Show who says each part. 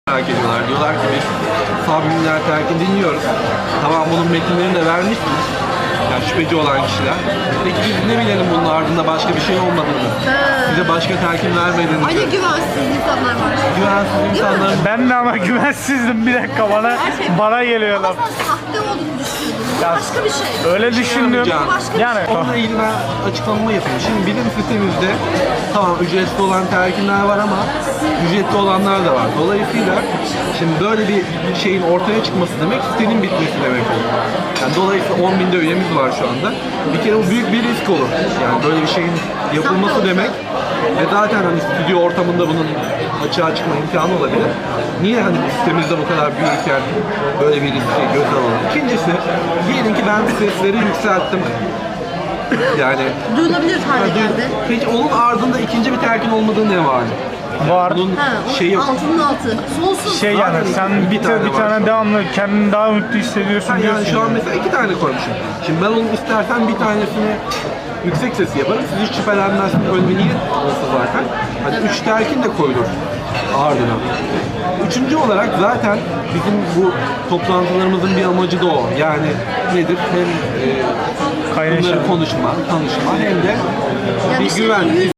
Speaker 1: merak ediyorlar. Diyorlar ki biz Sabri Terk'i dinliyoruz. Tamam, bunun metinlerini de vermişsiniz. Yani şüpheci olan kişiler. Peki biz ne bilelim bunun ardında başka bir şey olmadığını? Bize başka telkin vermediğini.
Speaker 2: Ay ne güvensiz insanlar var.
Speaker 1: Güvensiz insanların...
Speaker 3: Ben de ama güvensizdim, bir dakika bana geliyorlar.
Speaker 2: Ama sen sahte olduğunu düşünüyordun. Bu
Speaker 3: Ya,
Speaker 2: başka bir şey.
Speaker 3: Öyle düşündüm.
Speaker 2: Başka bir
Speaker 3: Yani
Speaker 1: Onunla ilgili ben açıklamamı yapayım. Şimdi bilim sitemizde tamam ücretli olan telkinler var ama ücretli olanlar da var. Dolayısıyla şimdi böyle bir şeyin ortaya çıkması demek sitenin bitmesi demek olur. Yani dolayısıyla 10.000'de üyemiz var şu anda. Bir kere bu büyük bir risk olur. Yani böyle bir şeyin yapılması demek ve zaten hani stüdyo ortamında bunun açığa çıkma imkanı olabilir. Niye hani bu sitemizde bu kadar büyürken böyle bir riski göze alalım? İkincisi, diyelim ki ben sesleri yükselttim. Yani
Speaker 2: duyulabilir hale geldi.
Speaker 1: peki onun ardında ikinci bir telkin olmadığı ne var?
Speaker 3: var.
Speaker 1: Bunun
Speaker 2: Ha,
Speaker 1: şeyi
Speaker 2: altının altı. Sonsuz.
Speaker 3: Şey yani sen bir tane devamlı kendini daha mutlu hissediyorsun
Speaker 1: yani
Speaker 3: diyorsun.
Speaker 1: şu an mesela 2 tane koymuşum. Şimdi ben onun istersen bir tanesini yüksek sesi yaparım. Siz hiç şüphelenmezsiniz. Öyle bir niyet olsa zaten. Hani 3 telkin de koyulur ardına. Üçüncü olarak zaten bizim bu toplantılarımızın bir amacı da o. Yani nedir? Hem bunları konuşma, tanışma hem de
Speaker 2: Ya
Speaker 1: bir
Speaker 2: bir şeyin
Speaker 1: güven.